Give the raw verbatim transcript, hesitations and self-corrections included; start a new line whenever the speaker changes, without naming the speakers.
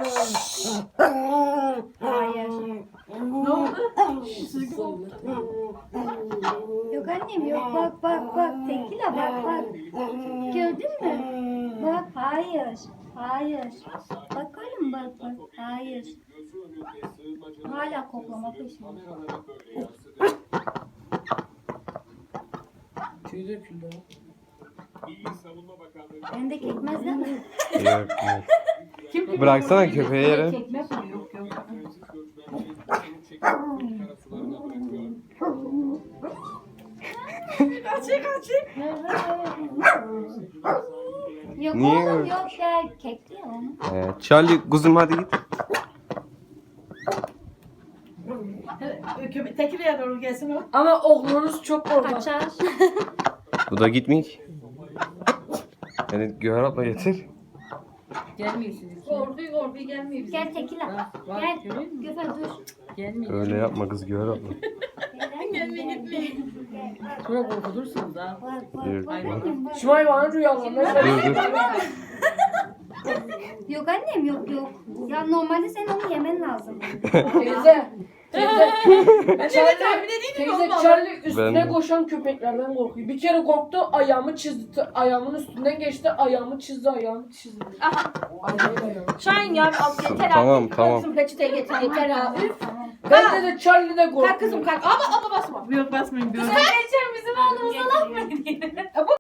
Hayır.
Ne oldu? Siz gibi oldu.
Yok annem yok bak bak bak. Tekila bak bak. Gördün mü? Bak hayır. Hayır. Bak oğlum bak bak. Hayır. Hala koklama peşinde.
Tüy döküldü.
Ben de kekmez değil mi?
Yok, yok.
Kim
Bıraksana köpeği yere.
Kekmek mi? Yok yok. Kaçı kaçı.
Yok
Niye
oğlum
öyle?
yok ya. Kekli ya onu.
Ee, Charlie kuzum hadi git.
Köpek Tekirdağ'a doğru gelsin o. Ama oğlunuz çok korkak.
Kaçar.
Bu da gitmiyor ki. Yani Göğer abla getir.
Gelmiyor sizinki.
Korkuyor korkuyor gelmiyor bize.
Gel tekila.
Bak, bak,
Gel.
görüyor musun?
Göfer dur.
Gelmiyor.
Öyle yapma kız Göğer abla.
Gelme gitme.
Şuna korkutursunuz ha.
Bak bak
Yürü.
bak annem bak.
Şu hayvanın rüyalarına
Dur dur.
Yok annem yok yok. Ya normalde sen onu yemen lazım.
Teyze. Teyze. Charlie,
tahmin edeydim
teyze
olmadı.
Charlie üstüne
Ben de.
koşan köpeklerden korkuyor. Bir kere korktu ayağımı çizdi. Ayağımın üstünden geçti ayağımı çizdi ayağımı çizdi.
Aha.
Ayağımı ayağımı.
Şahin ya al yeter
Tamam,
artık.
tamam.
Kızım peçete getir yeter ha. Üf.
Ben de Charlie de korkuyor.
Kalk kızım kalk. Ama ama basma.
Yok basmayın.
Sen geçer bizim oğlumuza laf mı ediyorsun?